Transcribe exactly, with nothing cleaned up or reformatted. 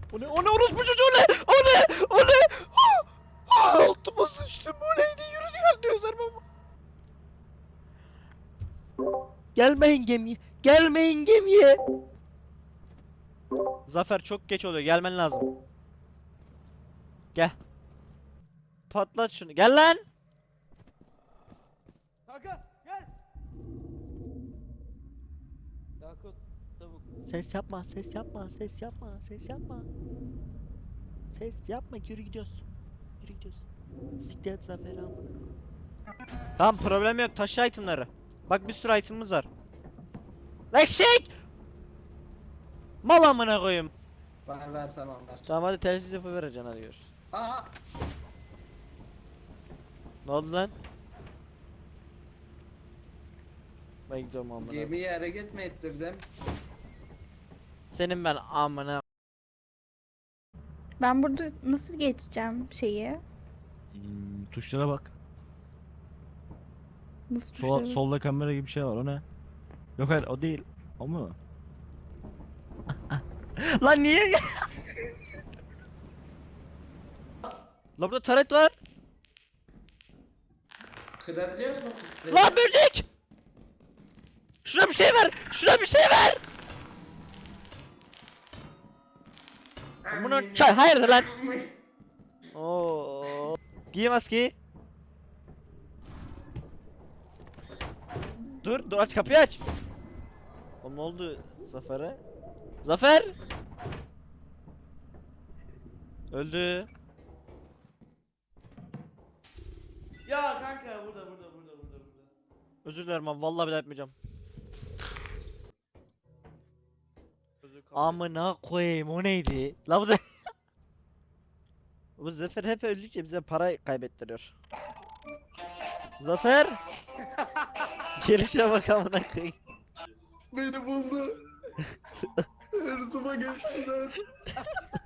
O ne? O ne? Orospu çocuğu ne? O ne? O ne? Ah! Altıma sıçtım. O neydi? Yürü gel diyor Sermem. Gelmeyin gemiye. Gelmeyin gemiye. Zafer çok geç oluyor. Gelmen lazım. Gel. Patlat şunu. Gel lan. Kanka gel. Yakup tavuk. Ses yapma, ses yapma, ses yapma, ses yapma. Ses yapma, yürü gidiyoruz. Yürü gidiyoruz. Siktir et Zafer'i amına. Tamam, problem yok. Taşı itemları. Bak bir sürü itemimiz var. Lan eşek! Mal amına koyayım. Ver ver tamam ver. Tamam hadi telsiz yapı vereceksin, hadi gör. Aa! Ne oldu lan? Ben gidiyorum amına. Gemiyi hareket mi ettirdim? Senin ben amına. Ben burada nasıl geçeceğim şeyi? Hmm, tuşlara bak. Nasıl Sola, tuşları? solda kamera gibi bir şey var, o ne? Yok hayır, o değil. O mu? Lan niye? Lan burada taret var. Kırabiliyor musun? Lan böcek! Şuna bir şey ver! Şuna bir şey ver! Bunu çay hayırdır lan? Oo. Giy maskeyi. Dur, dur aç kapıyı aç. Oğlum ne oldu Zafer'e? Zafer! Öldü. Ya kanka burada burada burada burada burada. Özür dilerim abi, vallahi bile yapmayacağım. Özür kabul et. Amına koyayım, o neydi? La bu da bu Zafer hep öldükçe bize para kaybettiriyor. Zafer! Gelişe bak amına koyayım. Beni buldu. Hırsıma geçtiler.